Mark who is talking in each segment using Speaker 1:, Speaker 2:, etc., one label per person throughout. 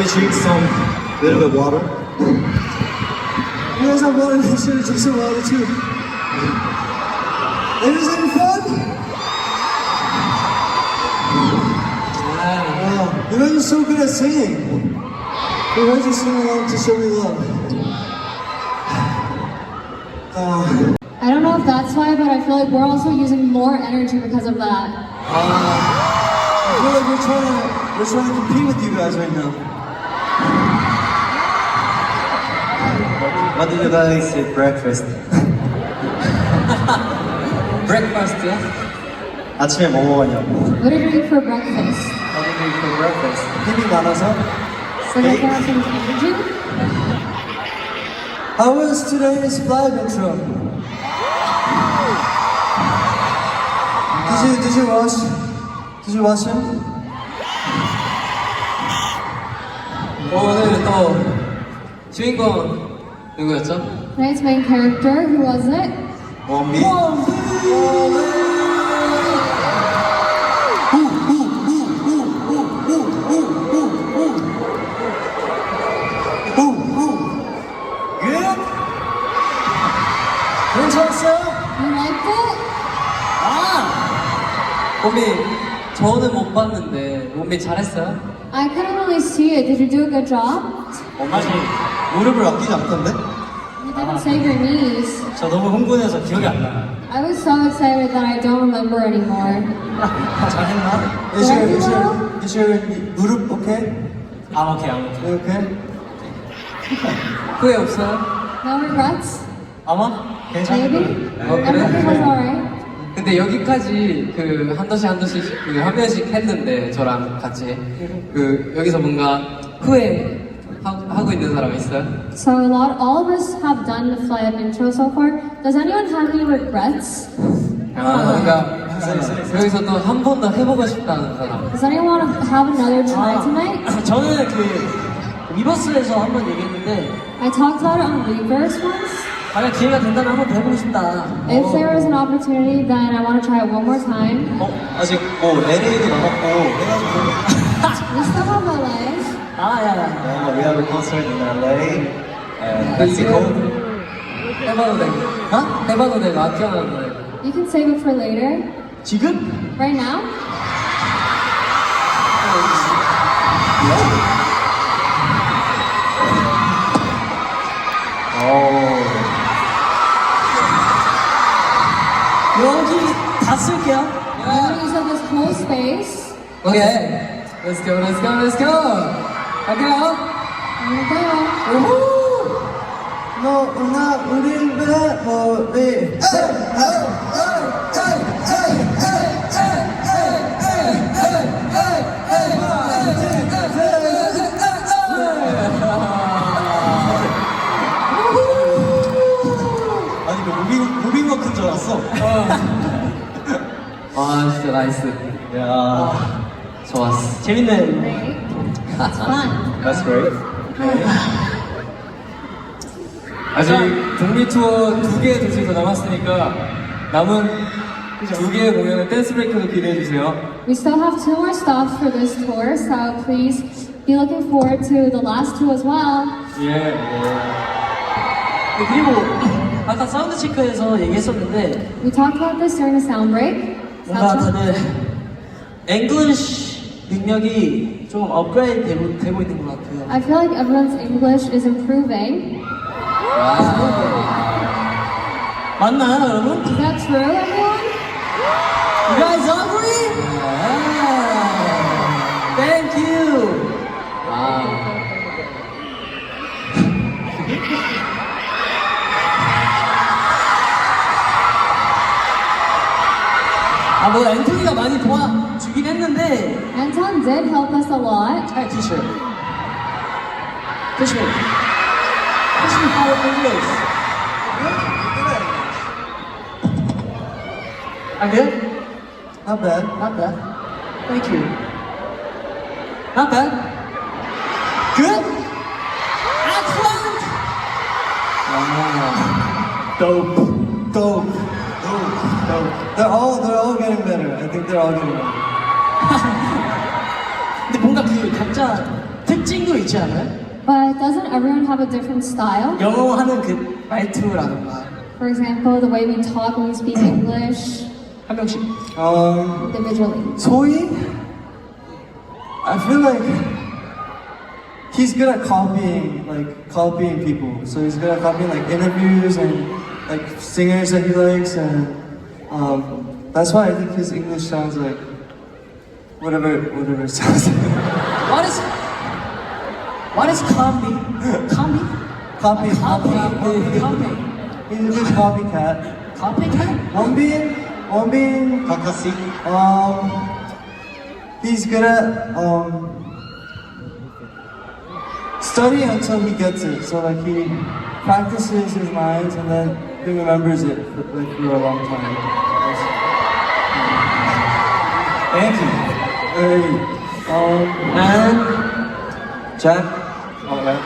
Speaker 1: drink some little bit water?
Speaker 2: You guys have water, make sure to drink some water too. Ladies, having fun? Wow, you guys are so good at singing. We heard you sing along to Show Me Love.
Speaker 3: I don't know if that's why, but I feel like we're also using more energy because of that.
Speaker 2: I feel like we're trying to compete with you guys right now.
Speaker 1: What did you guys eat breakfast?
Speaker 4: 브렉퍼스트요?
Speaker 1: 아침에 뭐 먹었냐고.
Speaker 3: What did you eat for breakfast?
Speaker 1: What did you eat for breakfast?
Speaker 2: 힘이 많아서.
Speaker 3: So that you have some energy?
Speaker 2: How was today's live intro? Did you watch? Did you watch him?
Speaker 4: 오늘 또 주인공 누구였죠?
Speaker 3: Tonight's main character, who was it?
Speaker 1: 원빈.
Speaker 2: Good? 괜찮았어요?
Speaker 3: You liked it?
Speaker 4: 몸이 저는 못 봤는데 몸이 잘했어요?
Speaker 3: I couldn't really see it. Did you do a good job?
Speaker 1: 아직 무릎을 아끼지 않던데?
Speaker 3: You didn't save your knees.
Speaker 1: 저 너무 흥분해서 기억이 안 나요.
Speaker 3: I was so excited that I don't remember anymore.
Speaker 1: 잘했나?
Speaker 2: Is your 무릎 okay?
Speaker 1: I'm okay, I'm okay.
Speaker 2: You okay?
Speaker 4: 후회 없어요?
Speaker 3: No regrets?
Speaker 1: 아마? 괜찮을
Speaker 3: Maybe?
Speaker 1: 거예요.
Speaker 3: Everything was alright.
Speaker 4: 근데 여기까지 그 한 번씩 그 한 명씩 했는데 저랑 같이 그 여기서 뭔가 후회 하고 있는 사람 있어요?
Speaker 3: So all of us have done the fly up intro so far. Does anyone have any regrets?
Speaker 4: 뭔가 여기서 또 한 번 더 해보고 싶다는 사람.
Speaker 3: Does anyone want to have another try tonight?
Speaker 2: 저는 그 리버스에서 한번 얘기했는데
Speaker 3: I talked about it on Reverse once.
Speaker 2: 만약 기회가 된다면 한번 더 해보고 싶다.
Speaker 3: If there was an opportunity, then I want to try it one more time.
Speaker 1: 아직 뭐 LA도 남았고 해가지고.
Speaker 3: We still have LA.
Speaker 1: We have a concert in LA and Mexico.
Speaker 4: 해봐도 돼. 해봐도 돼. 나 기억나는
Speaker 3: You can save it for later.
Speaker 2: 지금?
Speaker 3: Right now?
Speaker 2: 여기 다 쓸게요.
Speaker 3: I'm going to use up this whole space.
Speaker 4: 오케이. Let's go, let's go, let's go. 갈게요.
Speaker 3: Here we go.
Speaker 2: 너나 우릴 배우리.
Speaker 1: 아니 그 무빙워크인 줄 알았어.
Speaker 4: 아 진짜 나이스.
Speaker 1: 야,
Speaker 4: 좋았어.
Speaker 2: 재밌네.
Speaker 3: It's fun.
Speaker 1: that's great.
Speaker 4: 아직 북미 투어 2개 도시 더 남았으니까 남은 2개의 공연은 댄스 브레이크도 기대해 주세요.
Speaker 3: We still have 2 more stops for this tour, so please be looking forward to the last 2 as well.
Speaker 4: 예.
Speaker 2: 그리고 아까 사운드 체크에서 얘기했었는데
Speaker 3: We talked about this during the sound break.
Speaker 2: 뭔가
Speaker 3: Sound check.
Speaker 2: 다들 잉글리쉬 능력이 좀 업그레이드 되고 있는 것 같아요.
Speaker 3: I feel like everyone's English is improving.
Speaker 2: 맞나요, 여러분?
Speaker 3: Is that true, everyone?
Speaker 2: You guys agree? Thank you. 뭐 앤토니가 많이 도와주긴 했는데.
Speaker 3: Anton did help us a lot.
Speaker 2: Hi, teacher. Teach me. Teach me how English. I'm good? Not bad. Not bad. Thank you. Not bad. Good? Excellent! Dope. Dope. Dope. They're all getting better. I think they're all getting better. 근데 뭔가 그 각자 특징도 있지 않아요?
Speaker 3: But doesn't everyone have a different style?
Speaker 2: 영어 하는 그 말투라던가.
Speaker 3: For example, the way we talk when we speak English
Speaker 2: 한 명씩.
Speaker 3: individually.
Speaker 2: 소희? I feel like he's good at copying people. So he's good at copying like interviews and like singers that he likes, and that's why I think his English sounds like whatever it sounds like. What is copy? Copy? Copy. He's a good copycat. Copycat? 원빈.
Speaker 1: 카카시.
Speaker 2: He's good at studying until he gets it. So like he practices his lines and then he remembers it for a long time.
Speaker 1: Thank you.
Speaker 2: Hey, and Jack.
Speaker 1: Oh, yeah.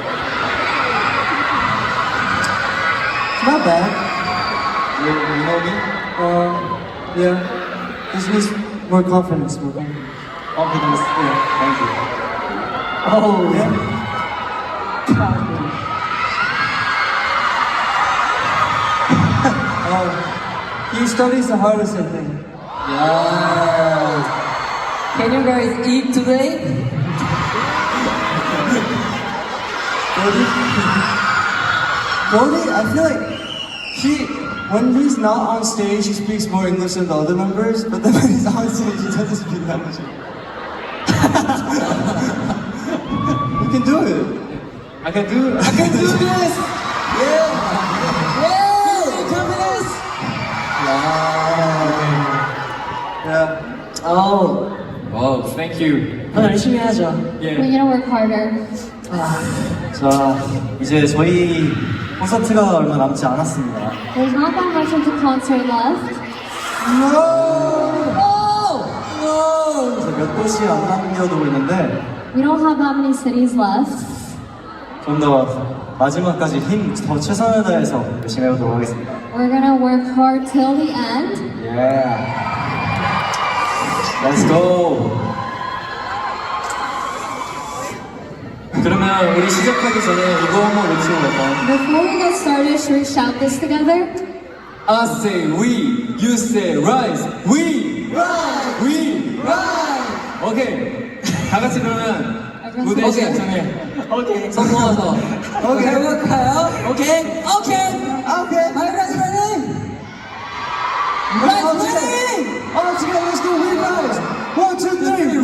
Speaker 2: It's not bad.
Speaker 1: You know me?
Speaker 2: Yeah. He's more confidence.
Speaker 1: Confidence. Yeah. Thank you.
Speaker 2: Oh yeah. He studies the hardest, I think.
Speaker 1: Yeah.
Speaker 4: Can you guys eat today?
Speaker 2: Brody, I feel like when he's not on stage, he speaks more English than the other members, but then when he's on stage, he doesn't speak that much. You can do it.
Speaker 1: I can do
Speaker 2: this! Yeah! Confidence! Yeah.
Speaker 1: Oh. Wow, thank you.
Speaker 2: 더 열심히 하죠.
Speaker 3: We're gonna work harder.
Speaker 1: 자, 이제 저희 콘서트가 얼마 남지 않았습니다.
Speaker 3: There's not that much of the concert left.
Speaker 1: 그래서 몇 도시 안 남겨두고 있는데
Speaker 3: We don't have that many cities left.
Speaker 1: 좀 더 마지막까지 힘 더 최선을 다해서 열심히 해보도록 하겠습니다.
Speaker 3: We're gonna work hard till the end.
Speaker 1: Yeah. Let's go. 그러면 우리 시작하기 전에 이거 한번 외치고 갈까요?
Speaker 3: Before we get started, should we shout this together?
Speaker 1: I say we, you say rise, we rise, we rise. 오케이. 다 같이 그러면 무대 시작전에 손 모아서
Speaker 2: 해볼까요? 오케이. Are you guys ready? Rise, ready? All together, let's go. We rise. 1, 2, 3.